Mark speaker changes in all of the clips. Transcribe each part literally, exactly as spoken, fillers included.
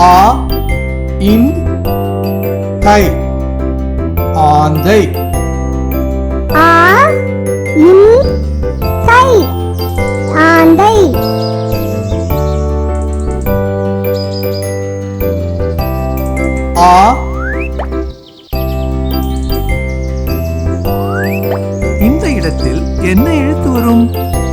Speaker 1: ஆ இன் தை ஆந்தை.
Speaker 2: ஆ இன் தை ஆந்தை.
Speaker 1: ஆ
Speaker 3: இந்த இடத்தில் என்ன எழுத்து வரும்?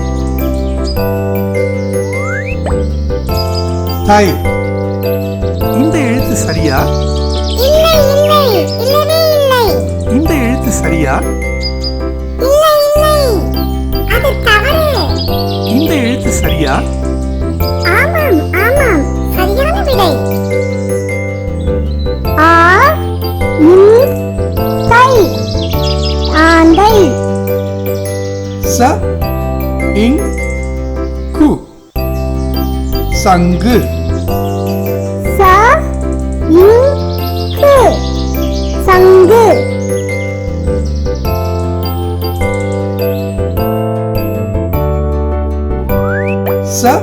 Speaker 1: தை.
Speaker 3: இந்த எழுத்து சரியா?
Speaker 2: இல்லை இல்லை இல்லவே இல்லை.
Speaker 3: இந்த எழுத்து சரியா?
Speaker 2: இல்லை இல்லை அது தவறு.
Speaker 3: இந்த எழுத்து சரியா?
Speaker 2: ஆமாம் ஆமாம் சரியான விடை. ஆ இன் தை ஆந்தை.
Speaker 1: ச இங் கு சங்கு.
Speaker 2: ச இன் கு சங்கு.
Speaker 1: ச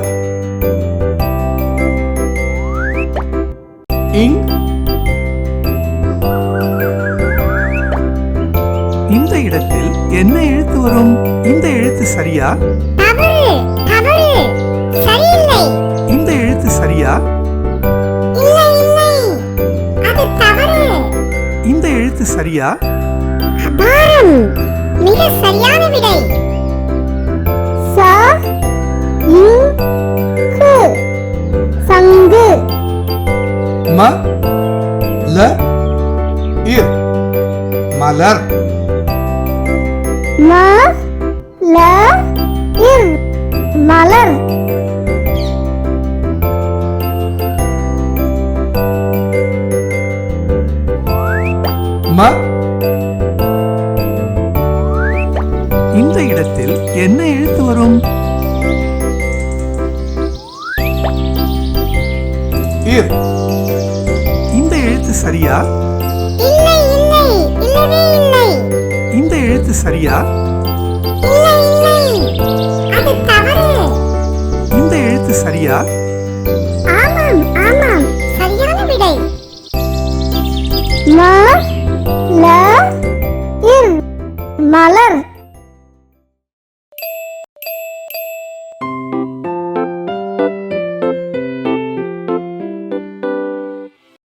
Speaker 1: இங்
Speaker 3: இந்த இடத்தில் என்ன எழுத்து வரும்? இந்த எழுத்து சரியா?
Speaker 2: தவறு தவறு சரியில்லை.
Speaker 3: இந்த எழுத்து சரியா?
Speaker 2: இல்லை இல்லை அது தவறு.
Speaker 3: இந்த எழுத்து சரியா?
Speaker 2: அபாரம் மிக சரியான விடை. ச இன் கு சங்கு.
Speaker 1: ம ல இர் மலர்.
Speaker 2: ம ல இர் மலர்.
Speaker 1: ம
Speaker 3: இந்த இடத்தில் என்ன எழுத்து வரும்?
Speaker 1: இர்.
Speaker 3: இந்த எழுத்து சரியா?
Speaker 2: இல்லை இல்லை இல்லவே இல்லை.
Speaker 3: இந்த எழுத்து சரியா?
Speaker 2: இல்லை இல்லை அது தவறு.
Speaker 3: இந்த எழுத்து சரியா?
Speaker 2: ஆமாம் ஆமாம் சரியான விடை. ம ல இர் மலர்.